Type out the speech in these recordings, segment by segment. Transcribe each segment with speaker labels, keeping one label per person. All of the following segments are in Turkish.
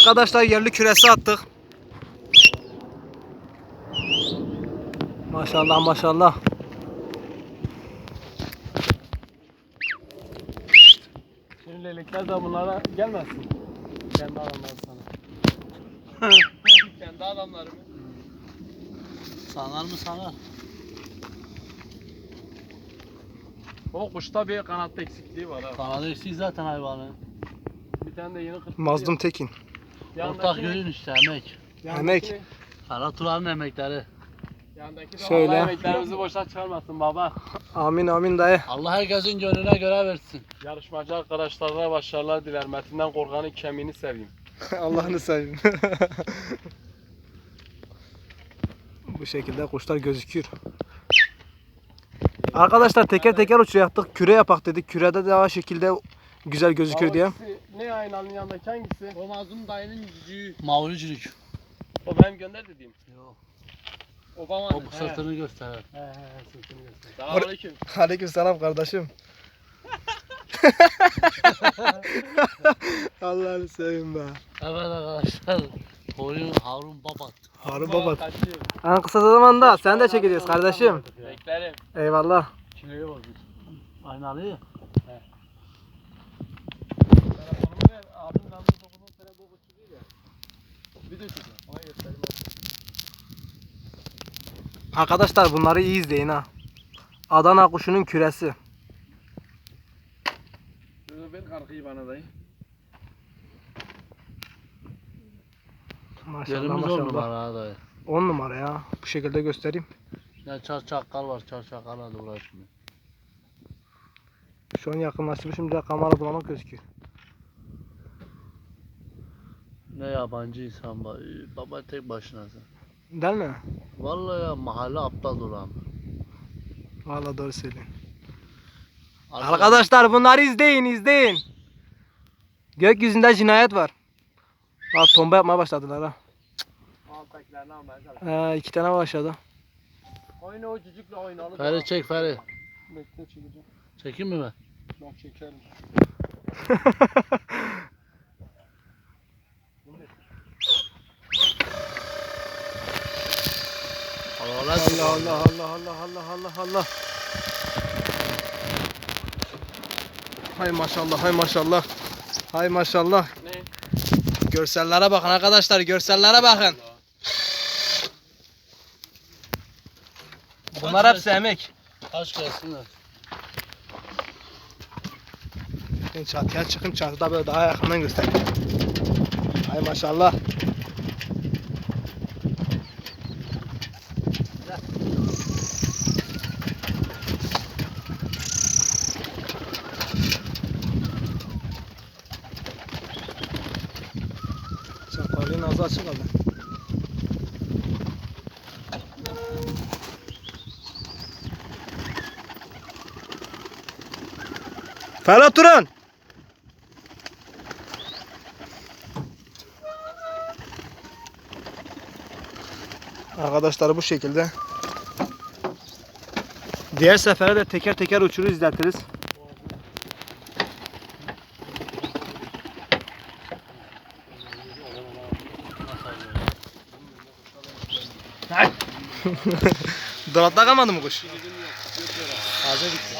Speaker 1: Arkadaşlar yerli küresi attık. Maşallah maşallah.
Speaker 2: Şimdi leylekler de bunlara gelmesin. Kendi adamları sana. Kendi adamları mı?
Speaker 3: Sanar mı sanar?
Speaker 2: O kuşta bir kanatta eksikliği var ha.
Speaker 3: Kanadı eksik zaten hayvanın.
Speaker 2: Bir tane de yeni kırk.
Speaker 1: Mazlum Tekin.
Speaker 3: Ortak yönün işte emek.
Speaker 1: Emek.
Speaker 3: Kara Turan'ın emekleri.
Speaker 2: Yandaki de
Speaker 1: Şöyle.
Speaker 2: Allah emeklerimizi boşa çıkarmasın baba.
Speaker 1: Amin amin dayı.
Speaker 3: Allah herkesin gönlüne göre versin.
Speaker 2: Yarışmacı arkadaşlarına başarılar diler. Metinden korkanın kemiğini seveyim.
Speaker 1: Allah'ını seveyim. Bu şekilde kuşlar gözüküyor. Arkadaşlar teker teker uçuyor yaptık. Küre yapak dedik. Kürede daha şekilde güzel gözüküyor diye.
Speaker 2: Hangisi, ne aynanın yanındaki hangisi?
Speaker 3: O Mazlum dayının cücüğü. Mavricülük.
Speaker 2: O benim gönder dediğim.
Speaker 3: Yok.
Speaker 2: Obama'nın.
Speaker 3: O sırtını gösterir.
Speaker 2: He sırtını göster. Selamünaleyküm.
Speaker 1: Aleyküm selam kardeşim. Allah'ını seveyim be.
Speaker 3: Evet arkadaşlar. Koyun Harun Babat.
Speaker 1: Harun baba.
Speaker 2: Kaçıyor.
Speaker 1: En kısa zamanda sen de çekeceğiz kardeşim.
Speaker 2: Beklerim.
Speaker 1: Eyvallah.
Speaker 3: Kiloyu bozmuş. Aynalı ya.
Speaker 2: Telefonumu ver. Abim ben bu 9'un sene bu kuşu değil ya. Video çekiyor. Ona göstereyim.
Speaker 1: Arkadaşlar bunları iyi izleyin ha. Adana kuşunun küresi.
Speaker 2: Ver karkıyı bana dayı.
Speaker 1: Maşallah
Speaker 3: Yerimiz 10
Speaker 1: maşallah.
Speaker 3: numara ha dayı.
Speaker 1: 10 numara ya. Bu şekilde göstereyim.
Speaker 3: Ya çarçakal var, çarçakalla da uğraşmıyor.
Speaker 1: Şu an yakınlaştırmışım da kamera bulanık gözüküyor.
Speaker 3: Ne yabancı insan var. Baba tek başınasın.
Speaker 1: Değil mi?
Speaker 3: Vallahi ya mahalle aptal duran.
Speaker 1: Vallahi doğru söylüyorsun. Arkadaşlar bunları izleyin. Gökyüzünde cinayet var. Bak tomba yapmaya başladılar ha.
Speaker 2: Alttakilerini almaya çalışıyorum.
Speaker 1: 2 tane başladı.
Speaker 2: Oyna o cücükle oynalı.
Speaker 3: Feri çek Feri.
Speaker 2: Bekle çekeceğim.
Speaker 3: Çekeyim mi ben?
Speaker 2: Bak çekerim.
Speaker 3: Allah
Speaker 1: Allah. Hay maşallah hay maşallah. Hay maşallah.
Speaker 2: Ne?
Speaker 1: Görsellere bakın arkadaşlar, görsellere bakın. Bunlar hepsi emek.
Speaker 3: Kaç gelsinler.
Speaker 1: Ben çatıya çıkayım, çatıda böyle daha yakından göstereyim. Hay maşallah. Çapalığın ağzı açık kaldı. Ferhat Turan. Arkadaşlar bu şekilde. Diğer sefere de teker teker uçuru izletiriz. Dolapta kalmadı mı kuş? Ağza gitti.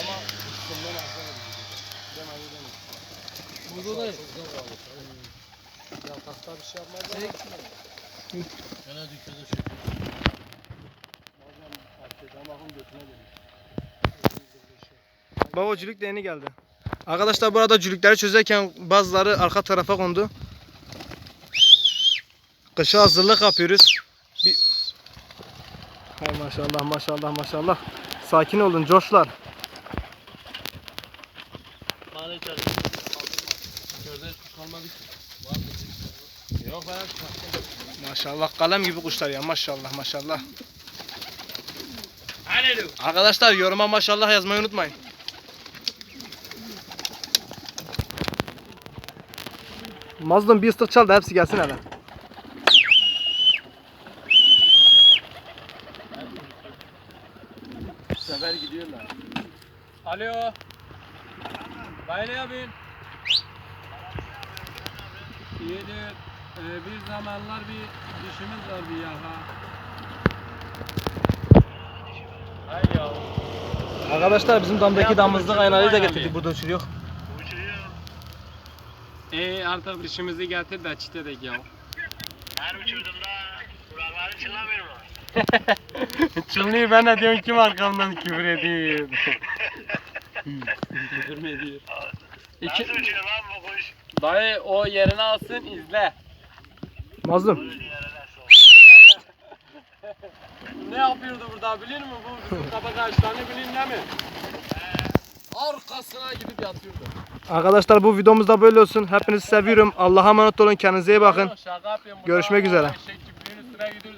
Speaker 3: Burada da
Speaker 2: Ya hasta bir şey yapmaz.
Speaker 3: gene dükkada çekiyor.
Speaker 1: Baba cülük de yeni geldi. Arkadaşlar burada cülükleri çözerken bazıları arka tarafa kondu. Kışa hazırlık yapıyoruz. Hay maşallah maşallah maşallah. Sakin olun coşlar.
Speaker 3: Mane içeri.
Speaker 2: Gözde kuş kalmadı ki. Yok ben çıkarttım.
Speaker 1: Maşallah kalem gibi kuşlar ya maşallah maşallah.
Speaker 2: Alo.
Speaker 1: Arkadaşlar yoruma maşallah yazmayı unutmayın. Mazlum bir ıslık çal da hepsi gelsin hele.
Speaker 2: Bu sefer gidiyorlar. Alo. Dayı ne yapıyorsun? İyidir. Bir zamanlar bir dişimiz var bir yaka. Hay ya.
Speaker 1: Arkadaşlar bizim damdaki
Speaker 2: Ya,
Speaker 1: damızlık
Speaker 2: uçurdu
Speaker 1: aynayı da
Speaker 2: bayağı
Speaker 1: getirdik.
Speaker 2: bir.
Speaker 1: Burada uçuruyor.
Speaker 2: Artık dişimizi getir de çitedik ya.
Speaker 4: Her uçurduğumda kulakları çınlamıyor mu?
Speaker 2: Çınlıyor ben de diyorum kim arkamdan küfür ediyor. Küfür mü ediyor?
Speaker 4: Nasıl uçuyor lan bu kuş?
Speaker 2: Dayı o yerini alsın izle.
Speaker 1: Mazlum.
Speaker 4: Böyle yerine sok.
Speaker 2: Ne yapıyordu burada biliyor musun? Bu bizim kabak ağaçlarını bilin değil mi? Arkasına gidip yatıyordu.
Speaker 1: Arkadaşlar bu videomuz da böyle olsun. Hepinizi seviyorum. Allah'a emanet olun. Kendinize iyi bakın.
Speaker 2: Şaka yapıyorum.
Speaker 1: Görüşmek üzere.
Speaker 2: Eşek çiftliğinin üstüne gidiyoruz.